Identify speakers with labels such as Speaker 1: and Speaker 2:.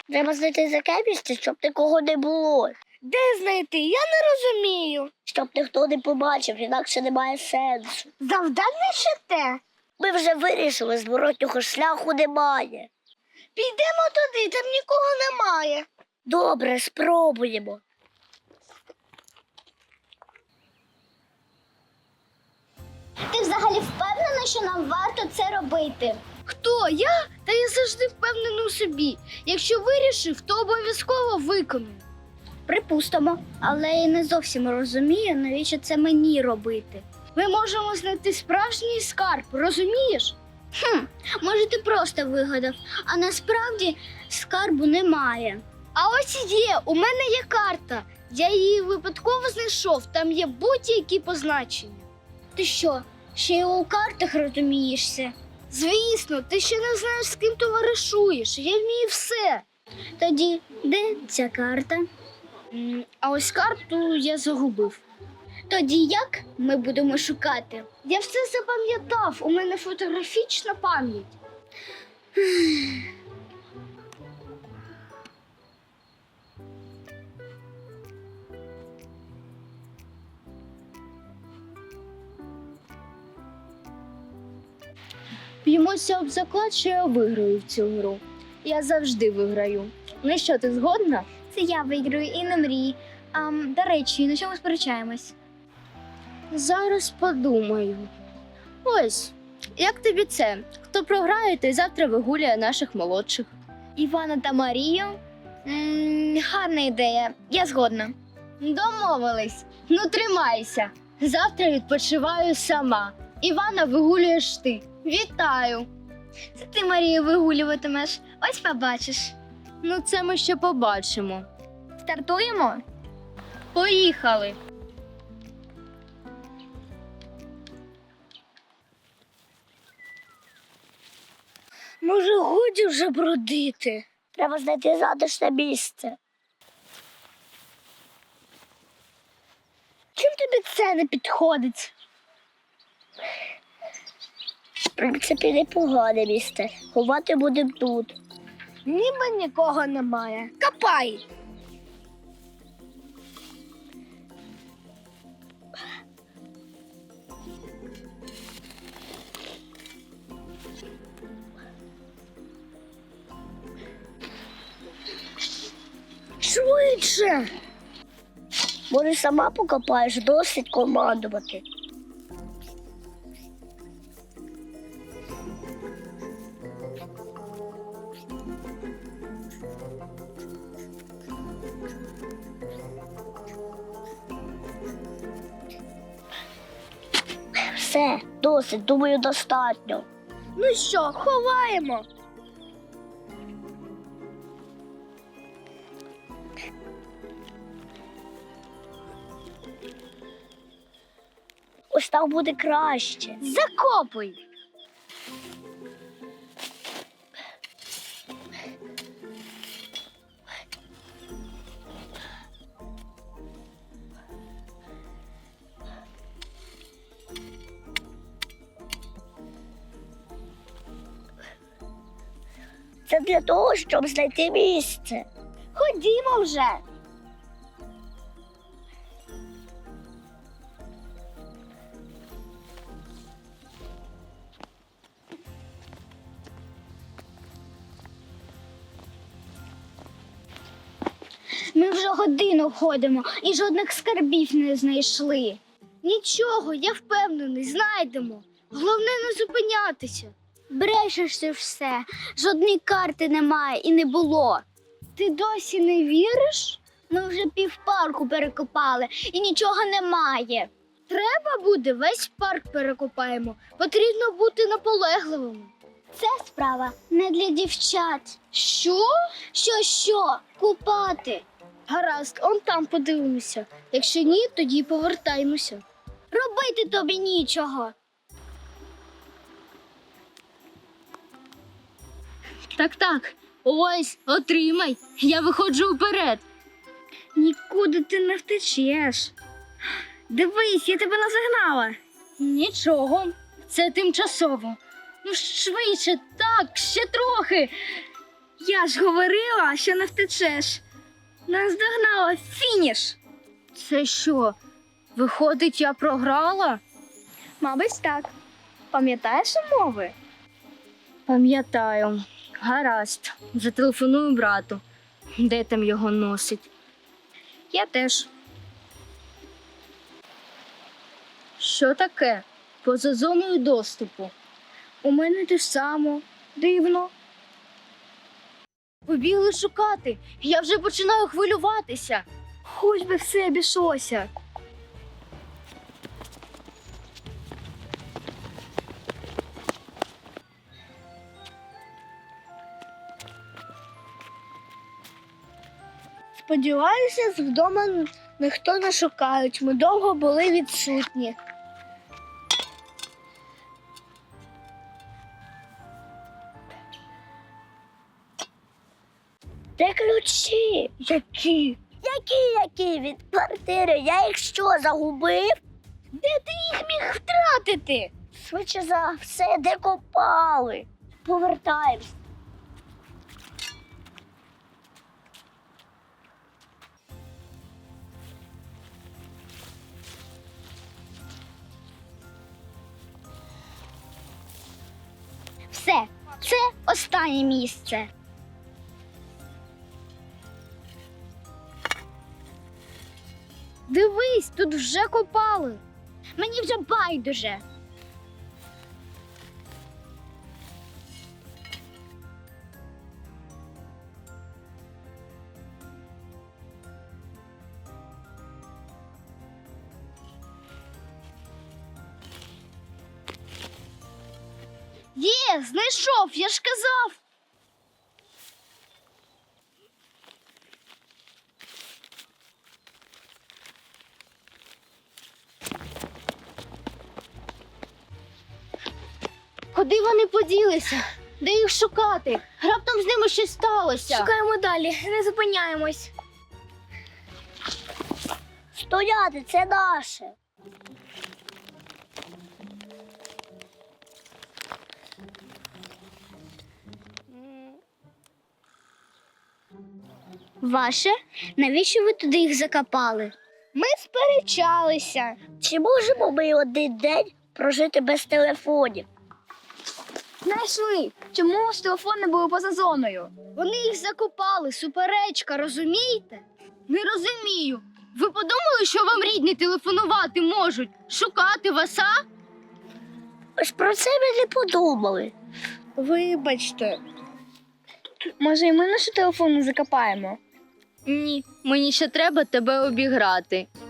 Speaker 1: Треба знайти таке місце, щоб нікого не було.
Speaker 2: Де знайти? Я не розумію.
Speaker 1: Щоб ніхто не побачив, інакше немає сенсу.
Speaker 2: Завдання ще те.
Speaker 1: Ми вже вирішили, зворотнього шляху немає.
Speaker 2: Підемо туди, там нікого немає.
Speaker 1: Добре, спробуємо.
Speaker 3: Ти взагалі впевнена, що нам варто це робити?
Speaker 2: Хто? Я? Та я завжди впевнений у собі. Якщо вирішив, то обов'язково виконую.
Speaker 3: Припустимо, але я не зовсім розумію, навіщо це мені робити.
Speaker 2: Ми можемо знайти справжній скарб, розумієш?
Speaker 3: Може, ти просто вигадав, а насправді скарбу немає.
Speaker 2: А ось є, у мене є карта. Я її випадково знайшов, там є будь-які позначення.
Speaker 3: Ти що, ще й у картах розумієшся?
Speaker 2: Звісно, ти ще не знаєш, з ким товаришуєш. Я вмію все.
Speaker 3: Тоді де ця карта?
Speaker 2: А ось карту я загубив.
Speaker 3: Тоді як ми будемо шукати?
Speaker 2: Я все запам'ятав, у мене фотографічна пам'ять. Б'ємося об заклад, що я виграю в цю гру. Я завжди виграю. Ну що, ти згодна?
Speaker 3: Це я виграю і не мрій. До речі, на чому сперечаємось?
Speaker 2: Зараз подумаю. Ось, як тобі це? Хто програє, той завтра вигуляє наших молодших.
Speaker 3: Івана та Марію? Гарна ідея, я згодна.
Speaker 2: Домовились. Ну, тримайся. Завтра відпочиваю сама. Івана вигулюєш ти. Вітаю.
Speaker 3: Це ти Марію вигулюватимеш, ось побачиш.
Speaker 2: Ну, це ми ще побачимо.
Speaker 3: Стартуємо?
Speaker 2: Поїхали.
Speaker 1: Може, годі вже бродити? Треба знайти затишне місце.
Speaker 2: Чим тобі це не підходить?
Speaker 1: В принципі, непогане місце. Ховати будемо тут.
Speaker 2: Ніби нікого немає. Копай!
Speaker 1: Швидше! Може, сама покопаєш, досить командувати. Все, досить, думаю, достатньо.
Speaker 2: Ну що, ховаємо?
Speaker 1: Ось так буде краще.
Speaker 2: Закопуй!
Speaker 1: Це для того, щоб знайти місце.
Speaker 3: Ходімо вже. Ми вже годину ходимо і жодних скарбів не знайшли.
Speaker 2: Нічого, я впевнений, знайдемо. Головне не зупинятися.
Speaker 3: Брешеш ти все, жодної карти немає і не було.
Speaker 2: Ти досі не віриш?
Speaker 3: Ми вже півпарку перекопали і нічого немає.
Speaker 2: Треба буде, весь парк перекопаємо. Потрібно бути наполегливими.
Speaker 3: Це справа не для дівчат.
Speaker 2: Що?
Speaker 3: Що? Купати.
Speaker 2: Гаразд, он там подивимося. Якщо ні, тоді повертаємося.
Speaker 3: Робити тобі нічого.
Speaker 2: Так. Ось, отримай. Я виходжу вперед.
Speaker 3: Нікуди ти не втечеш. Дивись, я тебе назагнала.
Speaker 2: Нічого, це тимчасово. Ну, швидше, так, ще трохи.
Speaker 3: Я ж говорила, що не втечеш. Нас догнала фініш.
Speaker 2: Це що? Виходить, я програла?
Speaker 3: Мабуть, так. Пам'ятаєш умови?
Speaker 2: Пам'ятаю. Гаразд. Зателефоную брату. Де там його носить?
Speaker 3: Я теж.
Speaker 2: Що таке? Поза зоною доступу.
Speaker 3: У мене те ж само. Дивно.
Speaker 2: Побігли шукати. Я вже починаю хвилюватися.
Speaker 3: Хоч би все обійшлося. Сподіваюся, вдома ніхто не шукають. Ми довго були відсутні.
Speaker 1: Де ключі?
Speaker 3: Які?
Speaker 1: Які від квартири? Я їх що, загубив?
Speaker 3: Де ти їх міг втратити?
Speaker 1: Швидше за все, де копали. Повертаємось.
Speaker 3: Все, це останнє місце.
Speaker 2: Дивись, тут вже копали.
Speaker 3: Мені вже байдуже.
Speaker 2: Є, знайшов, я ж казав. Куди вони поділися? Де їх шукати? Раптом з ними щось сталося.
Speaker 3: Шукаємо далі, не зупиняємось.
Speaker 1: Стояти, це наше.
Speaker 3: Ваше? Навіщо ви туди їх закопали? Ми сперечалися.
Speaker 1: Чи можемо ми один день прожити без телефонів?
Speaker 3: Знайшли. Чому ж телефони були поза зоною?
Speaker 2: Вони їх закопали, суперечка, розумієте? Не розумію. Ви подумали, що вам рідні телефонувати можуть? Шукати вас, а?
Speaker 1: Ось про це ми не подумали.
Speaker 3: Вибачте. Може, і ми наші телефони закопаємо?
Speaker 2: Ні, мені ще треба тебе обіграти.